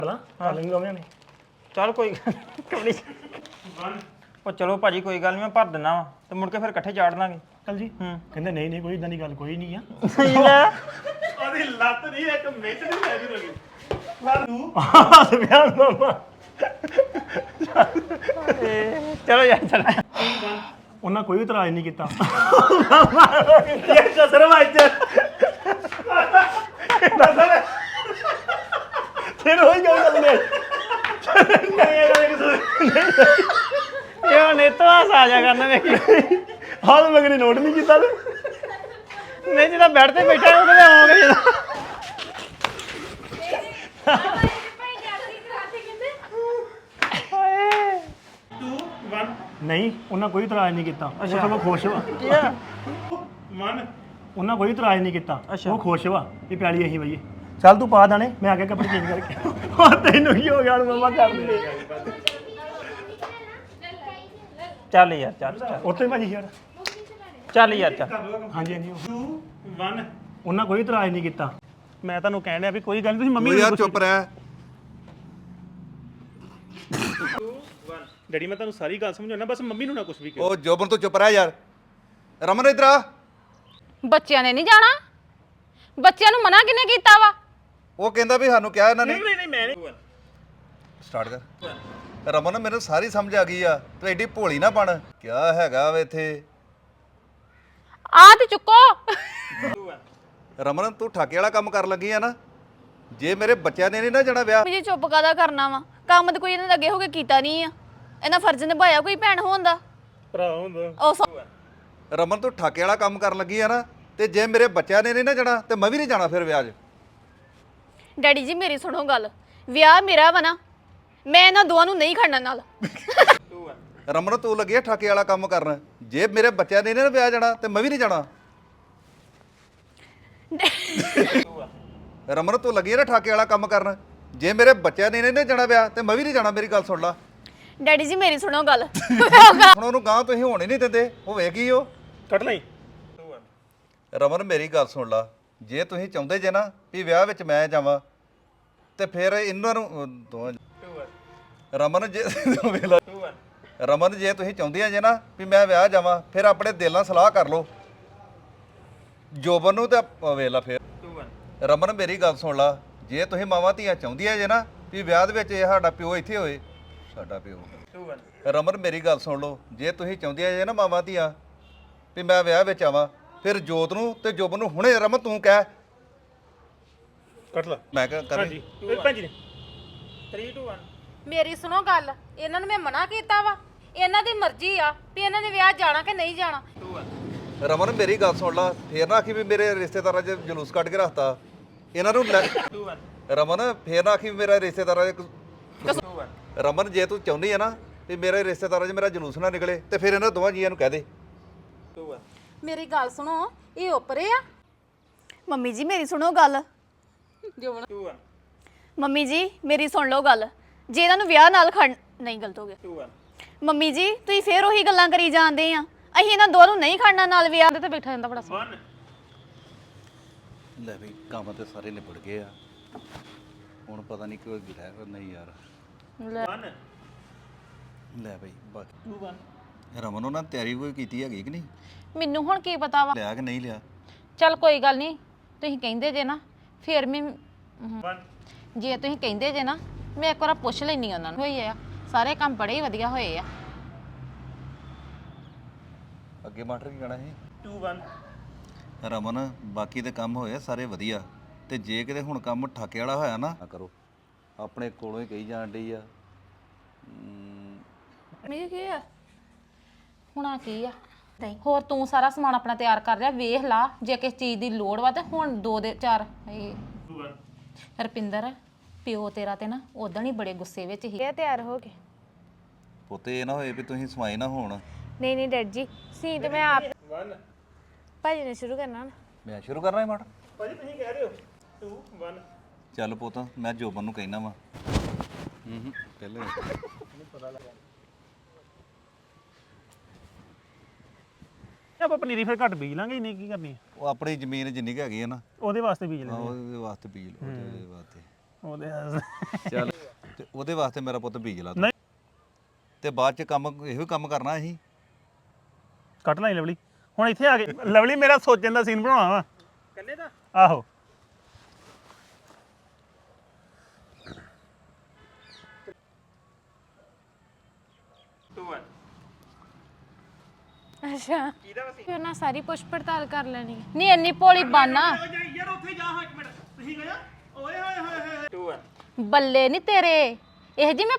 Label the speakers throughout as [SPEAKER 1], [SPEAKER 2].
[SPEAKER 1] ਕਰ ਲੈਂਗੇ ਦੋਵੇਂ ਨੇ
[SPEAKER 2] ਚੱਲ ਕੋਈ ਗੱਲ ਨੀ। ਉਹ ਚਲੋ ਭਾਜੀ ਕੋਈ ਗੱਲ ਨਹੀਂ ਮੈਂ ਭਰ ਦਿੰਦਾ ਵਾ ਤੇ ਮੁੜ ਕੇ ਫਿਰ ਇਕੱਠੇ ਚਾੜ ਦਾਂਗੇ
[SPEAKER 1] ਚੱਲ ਜੀ ਕਹਿੰਦੇ ਨਹੀਂ ਨਹੀਂ ਕੋਈ ਇਦਾਂ ਦੀ ਗੱਲ ਕੋਈ ਨਹੀਂ ਆ
[SPEAKER 3] ਉਹਦੀ ਲੱਤ ਨਹੀਂ ਇੱਕ ਮਿੰਟ ਨਹੀਂ ਲੈ ਜੂ ਲੱਗੀ
[SPEAKER 1] ਹੱਸ ਪਿਆ ਮਾਮਾ
[SPEAKER 2] ਚਲੋ ਯਾਰ ਚਲ
[SPEAKER 1] ਉਹਨਾਂ ਕੋਈ ਇਤਰਾਜ਼ ਨਹੀਂ ਕੀਤਾ
[SPEAKER 3] ਇਹ ਕਸਰ ਵਾਜ
[SPEAKER 1] ਫਿਰ ਹੋਈ ਗੱਲ ਨਹੀਂ
[SPEAKER 2] ਇਹ ਹੁਣ ਇਹ ਤੋਂ ਹਾਸ ਆ ਜਾ ਕਰਨਾ ਵੇਖੀ
[SPEAKER 1] ਹਾਲ ਮਗਰੀ ਨੋਟ ਨਹੀਂ ਕੀਤਾ ਤੇ
[SPEAKER 2] ਨਹੀਂ ਜਿਹਦਾ ਬੈੱਡ ਤੇ ਬੈਠਾ ਉਹ ਕਹਿੰਦਾ ਆਉਂਗਾ ਜਿਹਦਾ
[SPEAKER 1] ਨਹੀਂ ਉਹਨਾਂ ਕੋਈ ਇਤਰਾਜ਼ ਨਹੀਂ ਕੀਤਾ ਉਹ ਸਗੋਂ ਖੁਸ਼ ਵਾ ਉਹਨਾਂ ਕੋਈ ਇਤਰਾਜ਼ ਨਹੀਂ ਕੀਤਾ ਉਹ ਖੁਸ਼ ਵਾ ਇਹ ਪਿਆਲੀ ਅਸੀਂ ਬਈਏ ਚੱਲ ਤੂੰ ਪਾ ਦਾਣੇ ਮੈਂ ਆ ਕੇ ਕੱਪੜੇ ਚੇਂਜ ਕਰਕੇ ਹੋਰ ਤੈਨੂੰ ਕੀ ਹੋ ਗਿਆ ਹੁਣ ਮਮਾ ਕਰ ਦੇ
[SPEAKER 2] ਚੱਲ ਯਾਰ ਚੱਲ
[SPEAKER 1] ਉੱਥੇ ਭਾਜੀ ਯਾਰ
[SPEAKER 2] ਚੱਲ ਯਾਰ ਚੱਲ
[SPEAKER 1] ਹਾਂਜੀ ਹਾਂਜੀ 2 1 ਉਹਨਾਂ ਕੋਈ ਇਤਰਾਜ਼ ਨਹੀਂ ਕੀਤਾ ਮੈਂ ਤੁਹਾਨੂੰ ਕਹਿਣ ਡਿਆ ਵੀ ਕੋਈ ਗੱਲ ਨਹੀਂ ਤੁਸੀਂ ਮੰਮੀ
[SPEAKER 4] ਯਾਰ ਚੁੱਪ ਰਹਿ
[SPEAKER 3] ਡੈਡੀ ਮੈਂ ਤੁਹਾਨੂੰ ਸਾਰੀ ਗੱਲ ਸਮਝਾਉਣਾ ਬਸ ਮੰਮੀ ਨੂੰ ਨਾ ਕੁਝ ਵੀ
[SPEAKER 4] ਉਹ ਜੋਬਨ ਤੋਂ ਚੁੱਪ ਰਹਿ ਯਾਰ ਰਮਨ ਇਧਰ ਆ
[SPEAKER 5] ਬੱਚਿਆਂ ਨੇ ਨਹੀਂ ਜਾਣਾ ਬੱਚਿਆਂ ਨੂੰ ਮਨਾ ਕਿਹਨੇ ਕੀਤਾ ਵਾ
[SPEAKER 4] ਉਹ ਕਹਿੰਦਾ ਵੀ ਸਾਨੂੰ ਕਿਹਾ ਇਹਨਾਂ ਨੇ
[SPEAKER 3] ਨਹੀਂ ਮੈਂ ਨਹੀਂ
[SPEAKER 4] ਸਟਾਰਟ ਕਰ ਰਮਨ ਮੈਨੂੰ ਸਾਰੀ ਸਮਝ ਆ ਗਈ ਆ ਤੂੰ ਐਡੀ ਭੋਲੀ ਨਾ ਬਣ ਕਿਆ ਹੈਗਾ ਵੇ ਇੱਥੇ
[SPEAKER 5] ਆ ਤੇ ਚੁੱਕੋ
[SPEAKER 4] ਰਮਨ ਤੂੰ ਠਾਕੇ ਵਾਲਾ ਕੰਮ ਕਰਨ ਲੱਗੀ ਆ ਨਾ ਜੇ ਮੇਰੇ ਬੱਚਿਆਂ ਨੇ ਨਹੀਂ ਨਾ ਜਾਣਾ ਵਿਆਹ
[SPEAKER 5] ਜੀ ਚੁੱਪ ਕਾਦਾ ਕਰਨਾ ਵਾ ਕੰਮ ਤੇ ਕੋਈ ਇਹਨਾਂ ਦੇ ਅੱਗੇ ਹੋ ਕੇ ਕੀਤਾ ਨਹੀਂ ਆ ਇਹਨਾਂ ਫਰਜ਼ ਨਿਭਾਇਆ ਕੋਈ ਭੈਣ ਹੋਣ ਦਾ
[SPEAKER 3] ਭਰਾ ਹੁੰਦਾ
[SPEAKER 5] ਉਹ
[SPEAKER 4] ਰਮਨ ਤੂੰ ਠਾਕੇ ਵਾਲਾ ਕੰਮ ਕਰਨ ਲੱਗੀ ਆ ਨਾ ਤੇ ਜੇ ਮੇਰੇ ਬੱਚਿਆਂ ਨੇ ਨਹੀਂ ਨਾ ਜਾਣਾ ਤੇ ਮੈਂ ਵੀ ਨਹੀਂ ਜਾਣਾ ਫਿਰ ਵਿਆਹ 'ਚ
[SPEAKER 5] ਡੈਡੀ ਜੀ ਮੇਰੀ ਸੁਣੋ ਗੱਲ ਵਿਆਹ ਮੇਰਾ ਵਾ ਨਾ ਮੈਂ ਇਹਨਾਂ ਦੋਵਾਂ ਨੂੰ ਨਹੀਂ ਖੜਨਾ ਨਾਲ
[SPEAKER 4] ਰਮਨ ਤੂੰ ਲੱਗੀ ਆ ਠਾਕੇ ਵਾਲਾ ਕੰਮ ਕਰਨ ਜੇ ਮੇਰੇ ਬੱਚਿਆਂ ਨੇ ਨਹੀਂ ਨਾ ਵਿਆਹ ਜਾਣਾ ਤੇ ਮੈਂ ਵੀ ਨਹੀਂ ਜਾਣਾ ਰਮਨ ਤੂੰ ਲੱਗੀ ਆ ਨਾ ਠਾਕੇ ਵਾਲਾ ਕੰਮ ਕਰਨ ਜੇ ਮੇਰੇ ਬੱਚਿਆਂ ਨੇ ਨਹੀਂ ਨਾ ਜਾਣਾ ਵਿਆਹ ਤੇ ਮੈਂ ਵੀ ਨਹੀਂ ਜਾਣਾ ਮੇਰੀ ਗੱਲ ਸੁਣ ਲਾ
[SPEAKER 5] ਡੈਡੀ ਜੀ ਮੇਰੀ ਸੁਣੋ ਗੱਲ
[SPEAKER 4] ਹੁਣ ਉਹਨੂੰ ਗਾਂ ਤੁਸੀਂ ਹੋਣ ਹੀ ਨਹੀਂ ਦਿੰਦੇ ਹੋਵੇ ਕੀ ਉਹ
[SPEAKER 3] ਕੱਟ ਲਈ
[SPEAKER 4] ਰਮਨ ਮੇਰੀ ਗੱਲ ਸੁਣ ਲਾ ਜੇ ਤੁਸੀਂ ਚਾਹੁੰਦੇ ਜੇ ਨਾ ਵੀ ਵਿਆਹ ਵਿੱਚ ਮੈਂ ਜਾਵਾਂ ਤੇ ਫਿਰ ਇਹਨਾਂ ਨੂੰ ਦੋਵਾਂ ਰਮਨ ਜੇ ਰਮਨ ਜੇ ਤੁਸੀਂ ਚਾਹੁੰਦੀਆਂ ਜੇ ਨਾ ਵੀ ਮੈਂ ਵਿਆਹ ਜਾਵਾਂ ਫਿਰ ਆਪਣੇ ਦਿਲ ਨਾਲ ਸਲਾਹ ਕਰ ਲਓ ਜੋਬਨ ਨੂੰ ਤੇ ਵੇਖ ਲਾ ਫਿਰ ਰਮਨ ਮੇਰੀ ਗੱਲ ਸੁਣ ਲਾ ਜੇ ਤੁਸੀਂ ਮਾਵਾਂ ਧੀਆਂ ਚਾਹੁੰਦੀਆਂ ਜੇ ਨਾ ਵੀ ਵਿਆਹ ਦੇ ਵਿੱਚ ਇਹ ਸਾਡਾ ਪਿਓ ਇੱਥੇ ਹੋਏ ਸਾਡਾ ਪਿਓ ਰਮਨ ਮੇਰੀ ਗੱਲ ਸੁਣ ਲਓ ਜੇ ਤੁਸੀਂ ਚਾਹੁੰਦੀਆਂ ਜੇ ਨਾ ਮਾਵਾਂ ਧੀਆਂ ਵੀ ਮੈਂ ਵਿਆਹ ਵਿੱਚ ਆਵਾਂ ਫਿਰ ਜੋਤ ਨੂੰ ਤੇ ਜੋਬਨ ਨੂੰ ਹੁਣੇ ਰਮਨ ਤੂੰ ਕਹਿ
[SPEAKER 3] ਕੱਟ ਲਾ
[SPEAKER 4] ਮੈਂ ਕਿਹਾ ਕਰ
[SPEAKER 3] ਹਾਂਜੀ ਭੈਣ ਜੀ ਨੇ 3 2 1
[SPEAKER 5] ਮੇਰੀ ਸੁਣੋ ਗੱਲ ਇਹਨਾਂ ਨੂੰ ਮੈਂ ਮਨਾ ਕੀਤਾ ਵਾ ਇਹਨਾਂ ਦੀ ਮਰਜ਼ੀ ਆ ਵੀ ਇਹਨਾਂ ਨੇ ਵਿਆਹ ਜਾਣਾ ਕਿ ਨਹੀਂ ਜਾਣਾ
[SPEAKER 4] ਰਮਨ ਮੇਰੀ ਗੱਲ ਸੁਣ ਲਾ ਫੇਰ ਨਾ ਆਖੀ ਵੀ ਮੇਰੇ ਰਿਸ਼ਤੇਦਾਰਾਂ 'ਚ ਜਲੂਸ ਕੱਢ ਕੇ ਰੱਖਤਾ ਇਹਨਾਂ ਨੂੰ ਰਮਨ ਫੇਰ ਨਾ ਆਖੀ ਵੀ ਮੇਰਾ ਰਿਸ਼ਤੇਦਾਰਾਂ 'ਚ ਰਮਨ ਜੇ ਤੂੰ ਚਾਹੁੰਦੀ ਆ ਨਾ ਵੀ ਮੇਰੇ ਰਿਸ਼ਤੇਦਾਰਾਂ 'ਚ ਮੇਰਾ ਜਲੂਸ ਨਾ ਨਿਕਲੇ ਤੇ ਫਿਰ ਇਹਨਾਂ ਦੋਵਾਂ ਜੀਆਂ ਨੂੰ ਕਹਿ ਦੇ
[SPEAKER 5] ਮੇਰੀ ਗੱਲ ਸੁਣੋ ਇਹ ਉੱਪਰੇ ਆ ਮੰਮੀ ਜੀ ਮੇਰੀ ਸੁਣੋ ਗੱਲ ਮੰਮੀ ਜੀ ਮੇਰੀ ਸੁਣ ਲਓ ਗੱਲ ਜੇ ਇਹਨਾਂ ਨੂੰ ਵਿਆਹ ਨਾਲ ਖੜ ਨਹੀਂ ਗਲਤ ਹੋ ਗਿਆ ਮੰਮੀ ਜੀ ਤੁਸੀਂ ਫੇਰ ਉਹੀ ਗੱਲਾਂ ਕਰੀ ਜਾਂਦੇ ਆ ਅਸੀਂ ਇਹਨਾਂ ਦੋਵਾਂ ਨੂੰ ਨਹੀਂ ਖੜਨਾ ਨਾਲ ਵਿਆਹ ਦੇ ਤੇ ਬੈਠਾ ਜਾਂਦਾ ਬੜਾ ਸੋਹਣਾ
[SPEAKER 4] ਲੈ ਵੀ ਕੰਮ ਤੇ ਸਾਰੇ ਨਿਬੜ ਗਏ ਆ ਹੁਣ ਪਤਾ ਨਹੀਂ ਕੋਈ ਗਿਲਾ ਹੈ ਨਹੀਂ ਯਾਰ ਲੈ ਬਈ ਬਾਕੀ ਰਮਨ ਉਹਨਾਂ ਤਿਆਰੀ ਕੋਈ ਕੀਤੀ ਹੈਗੀ ਕਿ ਨਹੀਂ
[SPEAKER 5] ਮੈਨੂੰ ਹੁਣ ਕੀ ਪਤਾ ਵਾ
[SPEAKER 4] ਲਿਆ ਕਿ ਨਹੀਂ ਲਿਆ
[SPEAKER 5] ਚੱਲ ਕੋਈ ਗੱਲ ਨਹੀਂ ਤੁਸੀਂ ਕਹਿੰਦੇ ਜੇ ਨਾ ਫੇਰ ਮੈਂ ਜੇ ਤੁਸੀਂ ਕਹਿੰਦੇ ਜੇ ਨਾ ਮੈਂ ਇੱਕ ਵਾਰ ਪੁੱਛ ਲੈਣੀ ਉਹਨਾਂ ਨੂੰ ਹੋਈ ਆ ਸਾਰੇ ਕੰਮ ਬੜੇ ਹੀ ਵਧੀਆ ਹੋਏ ਆ
[SPEAKER 4] ਅੱਗੇ ਮਾਸਟਰ ਕੀ ਕਹਿਣਾ ਸੀ
[SPEAKER 3] 2 1
[SPEAKER 4] ਰਮਨ ਬਾਕੀ ਦੇ ਕੰਮ ਹੋਏ ਸਾਰੇ ਵਧੀਆ ਤੇ ਜੇ ਕਿਤੇ ਹੁਣ ਕੰਮ ਠਾਕੇ ਵਾਲਾ ਹੋਇਆ ਨਾ ਕਰੋ ਆਪਣੇ ਕੋਲੋਂ ਹੀ ਕਹੀ ਜਾਣ ਡਈ ਆ
[SPEAKER 5] ਮੇਰੇ ਕੀ ਆ ਹੁਣ ਆ ਕੀ ਆ ਹੋਰ ਤੂੰ ਸਾਰਾ ਸਮਾਨ ਆਪਣਾ ਤਿਆਰ ਕਰ ਰਿਹਾ ਵੇਖ ਲਾ ਜੇ ਕਿਸ ਚੀਜ਼ ਦੀ ਲੋੜ ਵਾ ਤੇ ਹੁਣ 2 ਦੇ 4 ਰਪਿੰਦਰ ਪਿਓ ਤੇਰਾ ਤੇ ਨਾ ਉਦੋਂ ਹੀ ਬੜੇ ਗੁੱਸੇ ਵਿੱਚ ਹੀ ਇਹ ਤਿਆਰ ਹੋ ਗਏ
[SPEAKER 4] ਪੁੱਤੇ ਇਹ ਨਾ ਹੋਏ ਵੀ ਤੁਸੀਂ ਸਮਾਈ ਨਾ ਹੋਣ
[SPEAKER 5] ਨਹੀਂ ਨਹੀਂ ਡੈਡ ਜੀ ਸੀ ਤੇ ਮੈਂ ਆਪ
[SPEAKER 3] 1
[SPEAKER 5] ਭਾਜੀ ਨੇ ਸ਼ੁਰੂ ਕਰਨਾ
[SPEAKER 4] ਮੈਂ ਸ਼ੁਰੂ ਕਰਨਾ ਹੈ ਮਾਟ
[SPEAKER 3] ਭਾਜੀ ਤੁਸੀਂ ਕਹਿ ਰਹੇ ਹੋ 2 1
[SPEAKER 4] ਚੱਲ ਪੁੱਤ ਮੈਂ ਜੋਬਨ ਨੂੰ ਕਹਿਣਾ ਵਾ ਪਹਿਲੇ
[SPEAKER 1] ਆਪਾਂ ਪਨੀਰੀ ਫਿਰ ਘੱਟ ਬੀਜ ਲਾਂਗੇ ਇੰਨੀ ਕੀ ਕਰਨੀ
[SPEAKER 4] ਉਹ ਆਪਣੀ ਜ਼ਮੀਨ ਜਿੰਨੀ ਕੁ ਹੈਗੀ ਆ ਨਾ
[SPEAKER 1] ਉਹਦੇ ਵਾਸਤੇ ਬੀਜ ਲੈਂਦੇ
[SPEAKER 4] ਉਹਦੇ ਵਾਸਤੇ ਬੀਜ ਲਓ ਉਹਦੇ ਵਾਸਤੇ
[SPEAKER 1] ਉਹਦੇ
[SPEAKER 4] ਚੱਲ ਉਹਦੇ ਵਾਸਤੇ ਮੇਰਾ ਪੁੱਤ ਬੀਜ ਲਾ ਤੂੰ।
[SPEAKER 1] ਨਹੀਂ।
[SPEAKER 4] ਤੇ ਬਾਅਦ ਚ ਕੰਮ ਇਹੋ ਕੰਮ ਕਰਨਾ ਅਸੀਂ।
[SPEAKER 1] ਕੱਟ ਲਈ ਲਵਲੀ ਹੁਣ ਇੱਥੇ ਆ ਕੇ ਲਵਲੀ ਮੇਰਾ ਸੋਚਣ ਦਾ ਸੀਨ ਬਣਾਉਣਾ ਵਾ
[SPEAKER 2] ਕੱਲੇ ਦਾ
[SPEAKER 1] ਆਹੋ
[SPEAKER 6] ਅੱਛਾ ਫਿਰ ਨਾ ਸਾਰੀ ਪੁੱਛ ਪੜਤਾਲ ਕਰ ਲੈਣੀ ਹੈ। ਨਹੀਂ ਇੰਨੀ ਭੋਲੀ ਬਾਨਾ
[SPEAKER 3] ਯਾਰ ਉੱਥੇ ਜਾ ਹਾਂ ਇੱਕ ਮਿੰਟ ਤੁਸੀਂ ਗਿਆ ਓਏ ਹੋਏ ਹੋਏ ਹੋਏ
[SPEAKER 2] 2
[SPEAKER 6] ਬੱਲੇ ਨਹੀਂ ਤੇਰੇ ਇਹ ਜੀ ਮੈਂ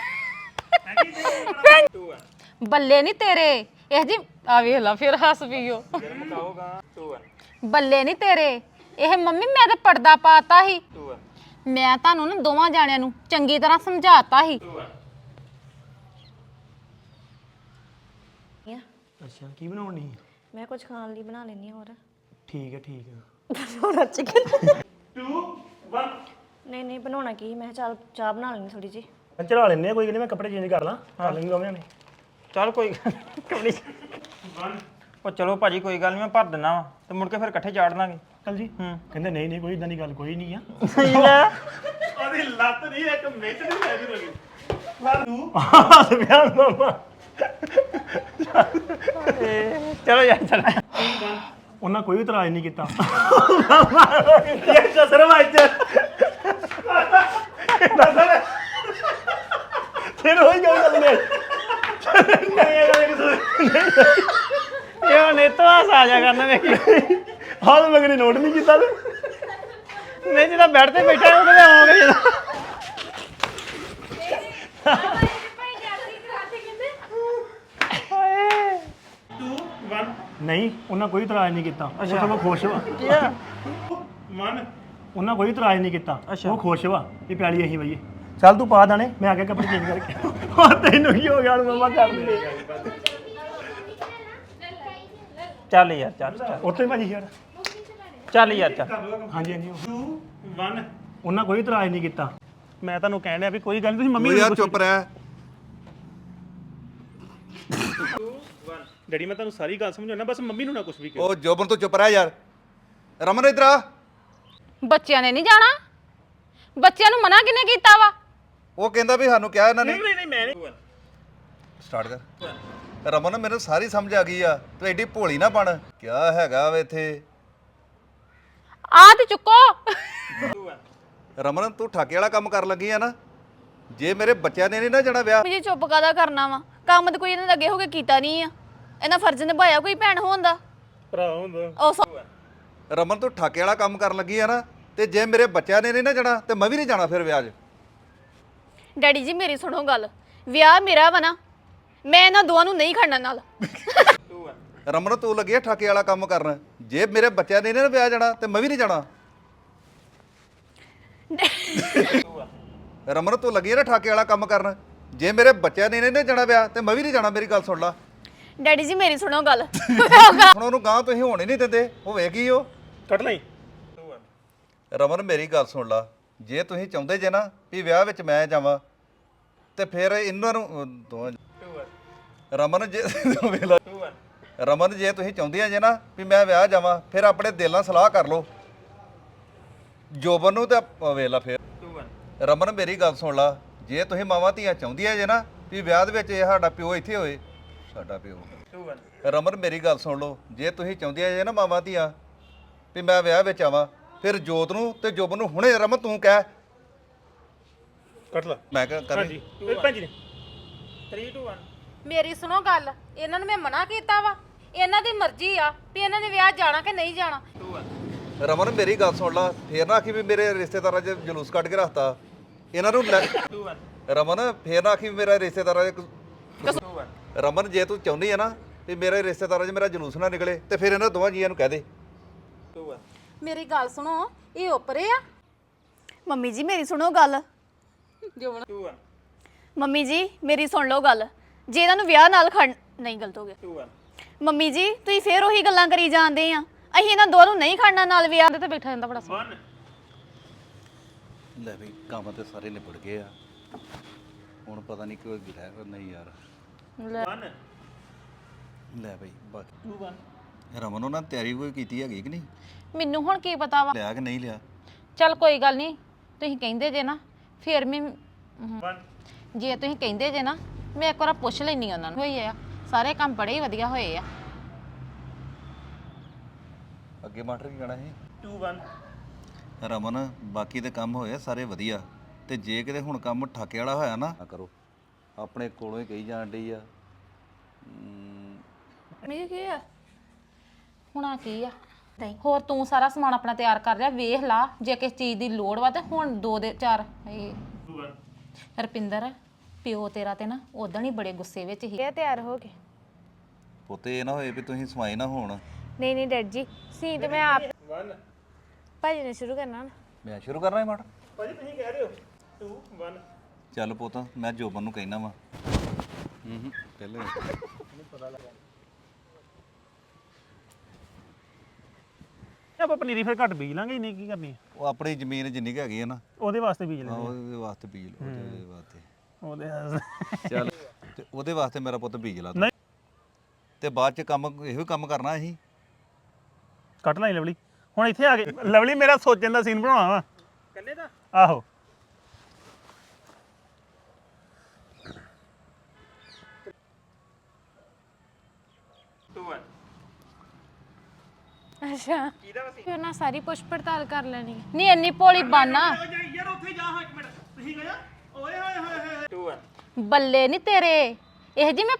[SPEAKER 6] ਬੱਲੇ ਨਹੀਂ ਤੇਰੇ ਇਹ ਜੀ ਆ ਵੇਖ ਲਾ ਫਿਰ ਹੱਸ ਪਈਓ
[SPEAKER 2] ਮਕਾਓਗਾ 2
[SPEAKER 6] ਬੱਲੇ ਨਹੀਂ ਤੇਰੇ ਇਹ ਮੰਮੀ ਮੈਂ ਤਾਂ ਪਰਦਾ ਪਾਤਾ ਸੀ
[SPEAKER 2] 2
[SPEAKER 6] ਮੈਂ ਤੁਹਾਨੂੰ ਨਾ ਦੋਵਾਂ ਜਾਣਿਆਂ ਨੂੰ ਚੰਗੀ ਤਰ੍ਹਾਂ ਸਮਝਾਤਾ ਸੀ
[SPEAKER 1] ਅੱਛਾ ਕੀ ਬਣਾਉਣੀ
[SPEAKER 7] ਮੈਂ ਕੁਝ ਖਾਣ ਲਈ ਬਣਾ ਲੈਣੀ ਹੋਰ
[SPEAKER 1] ਠੀਕ ਹੈ
[SPEAKER 3] 2 1
[SPEAKER 7] ਨਹੀਂ ਨਹੀਂ ਬਣਾਉਣਾ ਕੀ ਮੈਂ ਕਿਹਾ ਚੱਲ ਚਾਹ ਬਣਾ ਲੈਣੀ ਥੋੜੀ ਜੀ
[SPEAKER 1] ਮੈਂ ਚੜਾ ਲੈਣੇ ਆ ਕੋਈ ਗੱਲ ਨੀ, ਮੈਂ ਕੱਪੜੇ ਚੇਂਜ ਕਰ ਲਾਂ ਕਰ ਲੈਂਗੇ ਦੋਵੇਂ ਨੇ
[SPEAKER 2] ਚੱਲ ਕੋਈ ਗੱਲ ਨੀ। ਉਹ ਚਲੋ ਭਾਜੀ ਕੋਈ ਗੱਲ ਨਹੀਂ ਮੈਂ ਭਰ ਦਿੰਦਾ ਵਾ ਤੇ ਮੁੜ ਕੇ ਫਿਰ ਇਕੱਠੇ ਚਾੜ ਦਾਂਗੇ
[SPEAKER 1] ਕੱਲ ਜੀ ਕਹਿੰਦੇ ਨਹੀਂ ਨਹੀਂ ਕੋਈ ਇਦਾਂ ਦੀ ਗੱਲ ਕੋਈ ਨਹੀਂ ਆ
[SPEAKER 3] ਉਹਦੀ ਲੱਤ ਨਹੀਂ ਇੱਕ ਮਿੰਟ ਨਹੀਂ ਲੈ ਜੂ ਲੱਗੀ
[SPEAKER 1] ਬਿਆਨ ਮਾਮਾ
[SPEAKER 2] ਚਲੋ ਯਾਰ ਚੱਲ
[SPEAKER 1] ਉਹਨਾਂ ਕੋਈ ਇਤਰਾਜ਼ ਨਹੀਂ ਕੀਤਾ
[SPEAKER 3] ਇਹ ਕਸਰ ਵਾਜ
[SPEAKER 1] ਫਿਰ ਹੋਈ ਗੱਲ ਨਹੀਂ
[SPEAKER 2] ਇਹ ਹੁਣ ਇਹ ਤੋਂ ਆ ਜਾ ਕਰਨਾ ਵੇਖੀ
[SPEAKER 1] ਹਾਲ ਮਗਰੀ ਨੋਟ ਨਹੀਂ ਕੀਤਾ ਤੇ
[SPEAKER 2] ਨਹੀਂ ਜਿਹੜਾ ਬੈੱਡ ਤੇ ਬੈਠਾ ਉਹ ਕਹਿੰਦਾ ਆਉਂਗਾ ਜਿਹੜਾ
[SPEAKER 1] ਨਹੀਂ ਉਹਨਾਂ ਕੋਈ ਇਤਰਾਜ਼ ਨਹੀਂ ਕੀਤਾ ਉਹ ਸਗੋਂ ਖੁਸ਼ ਵਾ
[SPEAKER 3] 1
[SPEAKER 1] ਉਹਨਾਂ ਕੋਈ ਇਤਰਾਜ਼ ਨਹੀਂ ਕੀਤਾ ਉਹ ਖੁਸ਼ ਵਾ ਇਹ ਪਿਆਲੀ ਅਸੀਂ ਬਈਏ ਚੱਲ ਤੂੰ ਪਾ ਦਾਣੇ ਮੈਂ ਆ ਕੇ ਕੱਪੜੇ ਚੇਂਜ ਕਰਕੇ ਹੋਰ ਤੈਨੂੰ ਕੀ ਹੋ ਗਿਆ ਹੁਣ ਮਮਾ ਕਰ ਦੇ
[SPEAKER 2] ਚੱਲ ਯਾਰ ਚੱਲ
[SPEAKER 1] ਉੱਥੇ ਭਾਜੀ ਯਾਰ
[SPEAKER 2] ਚੱਲ ਯਾਰ ਚੱਲ
[SPEAKER 1] ਹਾਂਜੀ ਹਾਂਜੀ
[SPEAKER 3] 2 1
[SPEAKER 1] ਉਹਨਾਂ ਕੋਈ ਇਤਰਾਜ਼ ਨਹੀਂ ਕੀਤਾ ਮੈਂ ਤੁਹਾਨੂੰ ਕਹਿਣ ਡਿਆ ਵੀ ਕੋਈ ਗੱਲ ਨਹੀਂ ਤੁਸੀਂ ਮੰਮੀ
[SPEAKER 4] ਤੂੰ
[SPEAKER 1] ਨੂੰ
[SPEAKER 4] ਯਾਰ ਚੁੱਪ ਰਹਿ।
[SPEAKER 3] ਡੈਡੀ ਮੈਂ ਤੁਹਾਨੂੰ ਸਾਰੀ ਗੱਲ ਸਮਝਾਉਣਾ ਬਸ ਮੰਮੀ ਨੂੰ ਨਾ ਕੁਝ ਵੀ ਕਹੋ
[SPEAKER 4] ਉਹ ਜੋਬਨ ਤੋਂ ਚੁੱਪ ਰਹਿ ਯਾਰ। ਰਮਨ ਇੱਧਰ ਆ।
[SPEAKER 6] ਬੱਚਿਆਂ ਨੇ ਨਹੀਂ ਜਾਣਾ ਬੱਚਿਆਂ ਨੂੰ ਮਨਾ ਕਿਹਨੇ ਕੀਤਾ ਵਾ
[SPEAKER 4] ਉਹ ਕਹਿੰਦਾ ਵੀ ਸਾਨੂੰ ਕਿਹਾ ਇਹਨਾਂ ਨੇ।
[SPEAKER 3] ਨਹੀਂ ਨਹੀਂ ਮੈਂ ਨਹੀਂ
[SPEAKER 4] ਸਟਾਰਟ ਕਰ। ਰਮਨ ਮੈਨੂੰ ਸਾਰੀ ਸਮਝ ਆ ਗਈ ਆ ਤੂੰ ਐਡੀ ਭੋਲੀ ਨਾ ਬਣ। ਕਿਆ ਹੈਗਾ ਵੇ ਇੱਥੇ
[SPEAKER 6] ਆ ਤੇ ਚੁੱਕੋ
[SPEAKER 4] ਰਮਨ ਤੂੰ ਠਾਕੇ ਵਾਲਾ ਕੰਮ ਕਰਨ ਲੱਗੀ ਆ ਨਾ। ਜੇ ਮੇਰੇ ਬੱਚਿਆਂ ਨੇ ਨਹੀਂ ਨਾ ਜਾਣਾ ਵਿਆਹ
[SPEAKER 5] ਜੀ ਚੁੱਪ ਕਾਦਾ ਕਰਨਾ ਵਾ ਕੰਮ ਤਾਂ ਕੋਈ ਇਹਨਾਂ ਦੇ ਅੱਗੇ ਹੋ ਕੇ ਕੀਤਾ ਨਹੀਂ ਆ ਇਹਨਾਂ ਫਰਜ਼ ਨਿਭਾਇਆ ਕੋਈ ਭੈਣ ਹੋਣ ਦਾ
[SPEAKER 3] ਭਰਾ ਹੁੰਦਾ
[SPEAKER 5] ਉਹ
[SPEAKER 4] ਰਮਨ ਤੂੰ ਠਾਕੇ ਵਾਲਾ ਕੰਮ ਕਰਨ ਲੱਗੀ ਆ ਨਾ ਤੇ ਜੇ ਮੇਰੇ ਬੱਚਿਆਂ ਨੇ ਨਹੀਂ ਨਾ ਜਾਣਾ ਤੇ ਮੈਂ ਵੀ ਨਹੀਂ ਜਾਣਾ ਫਿਰ ਵਿਆਹ 'ਚ।
[SPEAKER 5] ਡੈਡੀ ਜੀ ਮੇਰੀ ਸੁਣੋ ਗੱਲ ਵਿਆਹ ਮੇਰਾ ਵਾ ਨਾ ਮੈਂ ਇਹਨਾਂ ਦੋਵਾਂ ਨੂੰ ਨਹੀਂ ਖੜਨਾ ਨਾਲ
[SPEAKER 4] ਰਮਨ ਤੂੰ ਲੱਗੀ ਆ ਠਾਕੇ ਵਾਲਾ ਕੰਮ ਕਰਨ ਜੇ ਮੇਰੇ ਬੱਚਿਆਂ ਨੇ ਨਹੀਂ ਨਾ ਵਿਆਹ ਜਾਣਾ ਤੇ ਮੈਂ ਵੀ ਨਹੀਂ ਜਾਣਾ। ਰਮਨ ਤੂੰ ਲੱਗੀ ਆ ਨਾ ਠਾਕੇ ਵਾਲਾ ਕੰਮ ਕਰਨ ਜੇ ਮੇਰੇ ਬੱਚਿਆਂ ਨੇ ਨਹੀਂ ਨਾ ਜਾਣਾ ਵਿਆਹ ਤੇ ਮੈਂ ਵੀ ਨਹੀਂ ਜਾਣਾ। ਮੇਰੀ ਗੱਲ ਸੁਣ ਲਾ।
[SPEAKER 5] ਡੈਡੀ ਜੀ ਮੇਰੀ ਸੁਣੋ ਗੱਲ
[SPEAKER 4] ਹੁਣ ਉਹਨੂੰ ਗਾਂ ਤੁਸੀਂ ਹੋਣ ਹੀ ਨਹੀਂ ਦਿੰਦੇ ਹੋਵੇ ਕੀ ਉਹ।
[SPEAKER 3] ਕੱਟ ਲਈ
[SPEAKER 4] ਰਮਨ ਮੇਰੀ ਗੱਲ ਸੁਣ ਲਾ ਜੇ ਤੁਸੀਂ ਚਾਹੁੰਦੇ ਜੇ ਨਾ ਵੀ ਵਿਆਹ ਵਿੱਚ ਮੈਂ ਜਾਵਾਂ ਤੇ ਫਿਰ ਇਹਨਾਂ ਨੂੰ ਦੋਵਾਂ ਰਮਨ ਜੇ ਵੇਖ ਲਾ। ਰਮਨ ਜੇ ਤੁਸੀਂ ਚਾਹੁੰਦੀਆਂ ਜੇ ਨਾ ਵੀ ਮੈਂ ਵਿਆਹ ਜਾਵਾਂ ਫਿਰ ਆਪਣੇ ਦਿਲ ਨਾਲ ਸਲਾਹ ਕਰ ਲਓ ਜੋਬਨ ਨੂੰ ਤੇ ਵੇਖ ਲਾ ਫਿਰ। ਰਮਨ ਮੇਰੀ ਗੱਲ ਸੁਣ ਲਾ ਜੇ ਤੁਸੀਂ ਮਾਵਾਂ ਧੀਆਂ ਚਾਹੁੰਦੀਆਂ ਜੇ ਨਾ ਵੀ ਵਿਆਹ ਦੇ ਵਿੱਚ ਇਹ ਸਾਡਾ ਪਿਓ ਇੱਥੇ ਹੋਏ ਸਾਡਾ ਪਿਓ। ਰਮਨ ਮੇਰੀ ਗੱਲ ਸੁਣ ਲਓ ਜੇ ਤੁਸੀਂ ਚਾਹੁੰਦੀਆਂ ਜੇ ਨਾ ਮਾਵਾਂ ਧੀਆਂ ਵੀ ਮੈਂ ਵਿਆਹ ਵਿੱਚ ਆਵਾਂ ਫਿਰ ਜੋਤ ਨੂੰ ਤੇ ਜੋਬਨ ਨੂੰ ਹੁਣੇ ਰਮਨ ਤੂੰ ਕਹਿ।
[SPEAKER 3] ਕੱਟ ਲਾ
[SPEAKER 4] ਮੈਂ ਕਿਹਾ ਕਰ
[SPEAKER 3] ਹਾਂਜੀ ਭੈਣ ਜੀ ਨੇ
[SPEAKER 2] 3 2 1
[SPEAKER 6] ਮੇਰੀ ਸੁਣੋ ਗੱਲ ਇਹਨਾਂ ਨੂੰ ਮੈਂ ਮਨਾ ਕੀਤਾ ਵਾ ਇਹਨਾਂ ਦੀ ਮਰਜ਼ੀ ਆ ਵੀ ਇਹਨਾਂ ਨੇ ਵਿਆਹ ਜਾਣਾ ਕਿ ਨਹੀਂ ਜਾਣਾ
[SPEAKER 4] ਰਮਨ ਮੇਰੀ ਗੱਲ ਸੁਣ ਲਾ ਫੇਰ ਨਾ ਆਖੀ ਵੀ ਮੇਰੇ ਰਿਸ਼ਤੇਦਾਰਾਂ 'ਚ ਜਲੂਸ ਕੱਢ ਕੇ ਰੱਖਤਾ ਇਹਨਾਂ ਨੂੰ ਰਮਨ ਫੇਰ ਨਾ ਆਖੀ ਵੀ ਮੇਰਾ ਰਿਸ਼ਤੇਦਾਰਾਂ 'ਚ ਰਮਨ ਜੇ ਤੂੰ ਚਾਹੁੰਦੀ ਆ ਨਾ ਵੀ ਮੇਰੇ ਰਿਸ਼ਤੇਦਾਰਾਂ 'ਚ ਮੇਰਾ ਜਲੂਸ ਨਾ ਨਿਕਲੇ ਤੇ ਫਿਰ ਇਹਨਾਂ ਦੋਵਾਂ ਜੀਆਂ ਨੂੰ ਕਹਿ ਦੇ।
[SPEAKER 6] ਮੇਰੀ ਗੱਲ ਸੁਣੋ ਇਹ ਉੱਪਰੇ ਆ
[SPEAKER 5] ਮੰਮੀ ਜੀ ਮੇਰੀ ਸੁਣੋ ਗੱਲ ਮੰਮੀ ਜੀ ਮੇਰੀ ਸੁਣ ਲਓ ਗੱਲ ਜੇ ਇਹਨਾਂ ਨੂੰ ਵਿਆਹ ਨਾਲ ਖੜ ਨਹੀਂ ਗਲਤ ਹੋ ਗਿਆ ਮੰਮੀ ਜੀ ਤੁਸੀਂ ਫੇਰ ਉਹੀ ਗੱਲਾਂ ਕਰੀ ਜਾਂਦੇ ਆ ਅਸੀਂ ਇਹਨਾਂ ਦੋਵਾਂ ਨੂੰ ਨਹੀਂ ਖੜਨਾ ਨਾਲ ਵਿਆਹ
[SPEAKER 6] ਤੇ ਬੈਠਾ ਜਾਂਦਾ ਬੜਾ ਸੋਹਣਾ
[SPEAKER 4] ਲੈ ਵੀ ਕੰਮ ਤੇ ਸਾਰੇ ਨਿਬੜ ਗਏ ਆ ਹੁਣ ਪਤਾ ਨਹੀਂ ਕੋਈ ਗਿਲਾ ਹੈ ਨਹੀਂ ਯਾਰ। ਲੈ ਬਈ ਬਾਕੀ ਰਮਨ ਉਹਨਾਂ ਤਿਆਰੀ ਕੋਈ ਕੀਤੀ ਹੈਗੀ ਕਿ ਨਹੀਂ
[SPEAKER 6] ਮੈਨੂੰ ਹੁਣ ਕੀ ਪਤਾ ਵਾ
[SPEAKER 4] ਲਿਆ ਕਿ ਨਹੀਂ ਲਿਆ।
[SPEAKER 6] ਚੱਲ ਕੋਈ ਗੱਲ ਨਹੀਂ ਤੁਸੀਂ ਕਹਿੰਦੇ ਜੇ ਨਾ ਫੇਰ ਮੈਂ ਜੇ ਤੁਸੀਂ ਕਹਿੰਦੇ ਜੇ ਨਾ ਮੈਂ ਇੱਕ ਵਾਰ ਪੁੱਛ ਲੈਣੀ ਉਹਨਾਂ ਨੂੰ ਹੋਈ ਆ ਸਾਰੇ ਕੰਮ ਬੜੇ ਹੀ ਵਧੀਆ ਹੋਏ ਆ
[SPEAKER 4] ਅੱਗੇ ਮਾਸਟਰ ਕੀ ਕਹਿਣਾ ਸੀ
[SPEAKER 1] 2 1
[SPEAKER 4] ਰਮਨ ਬਾਕੀ ਦੇ ਕੰਮ ਹੋਏ ਆ ਸਾਰੇ ਵਧੀਆ ਤੇ ਜੇ ਕਿਤੇ ਹੁਣ ਕੰਮ ਠਾਕੇ ਵਾਲਾ ਹੋਇਆ ਨਾ ਕਰੋ ਆਪਣੇ ਕੋਲੋਂ ਹੀ ਕਹੀ ਜਾਣ ਡਈ ਆ
[SPEAKER 7] ਮੇਰੇ ਕੀ ਆ
[SPEAKER 6] ਹੁਣ ਆ ਕੀ ਆ ਹੋਰ ਤੂੰ ਸਾਰਾ ਸਮਾਨ ਆਪਣਾ ਤਿਆਰ ਕਰ ਰਿਹਾ ਵੇਖ ਲਾ ਜੇ ਕਿਸ ਚੀਜ਼ ਦੀ ਲੋੜ ਵਾ ਤੇ ਹੁਣ 2 ਦੇ 4 ਰਪਿੰਦਰ ਪਿਓ ਤੇਰਾ ਤੇ ਨਾ ਉਦੋਂ ਹੀ ਬੜੇ ਗੁੱਸੇ ਵਿੱਚ ਸੀ
[SPEAKER 7] ਇਹ ਤਿਆਰ ਹੋ ਗਏ
[SPEAKER 4] ਪੁੱਤੇ ਇਹ ਨਾ ਹੋਏ ਵੀ ਤੁਸੀਂ ਸਮਾਈ ਨਾ ਹੋਣ
[SPEAKER 7] ਨਹੀਂ ਨਹੀਂ ਡੈਡ ਜੀ ਸੀ ਤੇ ਮੈਂ ਆਪ 1 ਭਾਜੀ ਨੇ ਸ਼ੁਰੂ ਕਰਨਾ ਨਾ
[SPEAKER 4] ਮੈਂ ਸ਼ੁਰੂ ਕਰਨਾ ਹੈ ਮਾਟ
[SPEAKER 1] ਭਾਜੀ ਤੁਸੀਂ ਕਹਿ ਰਹੇ ਹੋ 2 1
[SPEAKER 4] ਚੱਲ ਪੁੱਤ ਮੈਂ ਜੋਬਨ ਨੂੰ ਕਹਿਣਾ ਵਾ ਪਹਿਲੇ
[SPEAKER 1] ਆਪਾਂ ਪਨੀਰੀ ਫਿਰ ਘੱਟ ਬੀਜ ਲਾਂਗੇ ਇੰਨੀ ਕੀ ਕਰਨੀ ਹੈ
[SPEAKER 4] ਉਹ ਆਪਣੀ ਜ਼ਮੀਨ ਜਿੰਨੀ ਕੁ ਹੈਗੀ ਹੈ ਨਾ
[SPEAKER 1] ਉਹਦੇ ਵਾਸਤੇ ਬੀਜ ਲੈਂਦੇ
[SPEAKER 4] ਉਹਦੇ ਵਾਸਤੇ ਬੀਜ ਲਓ ਉਹਦੇ ਵਾਸਤੇ
[SPEAKER 1] ਉਹਦੇ
[SPEAKER 4] ਚੱਲ ਤੇ ਉਹਦੇ ਵਾਸਤੇ ਮੇਰਾ ਪੁੱਤ ਬੀਜ ਲਾ ਤੂੰ।
[SPEAKER 1] ਨਹੀਂ।
[SPEAKER 4] ਤੇ ਬਾਅਦ ਚ ਕੰਮ ਇਹੋ ਕੰਮ ਕਰਨਾ ਅਸੀਂ
[SPEAKER 1] ਕੱਟ ਲਈ ਲਵਲੀ ਹੁਣ ਇੱਥੇ ਆ ਕੇ ਲਵਲੀ ਮੇਰਾ ਸੋਚਣ ਦਾ ਸੀਨ ਬਣਾਉਣਾ ਵਾ ਕੱਲੇ ਦਾ ਆਹੋ
[SPEAKER 7] ਅੱਛਾ ਫਿਰ ਨਾ ਸਾਰੀ ਪੁੱਛ ਪੜਤਾਲ ਕਰ ਲੈਣੀ ਹੈ
[SPEAKER 6] ਨਹੀਂ ਇੰਨੀ ਭੋਲੀ ਬਾਨਾ
[SPEAKER 1] ਯਾਰ ਉੱਥੇ ਜਾ ਹਾਂ 1 ਮਿੰਟ ਤੁਸੀਂ ਗਿਆ ਓਏ ਹੋਏ ਹੋਏ
[SPEAKER 2] 2 1
[SPEAKER 6] ਬੱਲੇ ਨਹੀਂ ਤੇਰੇ ਇਹ ਜੀ ਮੈਂ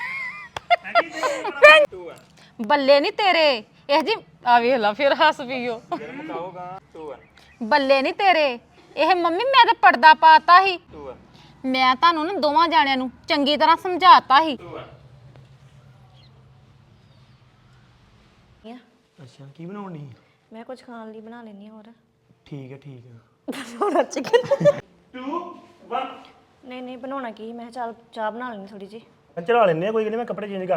[SPEAKER 6] ਬੱਲੇ ਨਹੀਂ ਤੇਰੇ ਇਹ ਜੀ ਆ ਵੇਖ ਲਾ ਫਿਰ ਹੱਸ ਪਈਓ
[SPEAKER 2] ਮਕਾਓਗਾ 2 1
[SPEAKER 6] ਬੱਲੇ ਨਹੀਂ ਤੇਰੇ ਇਹ ਮੰਮੀ ਮੈਂ ਤਾਂ ਪਰਦਾ ਪਾਤਾ ਸੀ
[SPEAKER 2] 2 1
[SPEAKER 6] ਮੈਂ ਤੁਹਾਨੂੰ ਨਾ ਦੋਵਾਂ ਜਾਣਿਆਂ ਨੂੰ ਚੰਗੀ ਤਰ੍ਹਾਂ ਸਮਝਾਤਾ ਸੀ
[SPEAKER 2] 2 1
[SPEAKER 1] ਅੱਛਾ ਕੀ ਬਣਾਉਣੀ
[SPEAKER 7] ਮੈਂ ਕੁਝ ਖਾਣ ਲਈ ਬਣਾ ਲੈਣੀ ਹੋਰ
[SPEAKER 1] ਠੀਕ ਹੈ
[SPEAKER 7] ਬਣਾਉਣਾ ਚਿਕਨ
[SPEAKER 1] 2 1
[SPEAKER 7] ਨਹੀਂ ਨਹੀਂ ਬਣਾਉਣਾ ਕੀ ਮੈਂ ਕਿਹਾ ਚੱਲ ਚਾਹ ਬਣਾ ਲੈਣੀ ਥੋੜੀ ਜੀ
[SPEAKER 1] ਚੜਾ ਲੈਣੇ ਕੋਈ ਗੱਲ ਨਹੀਂ ਮੈਂ ਕੱਪੜੇ ਚੇਂਜ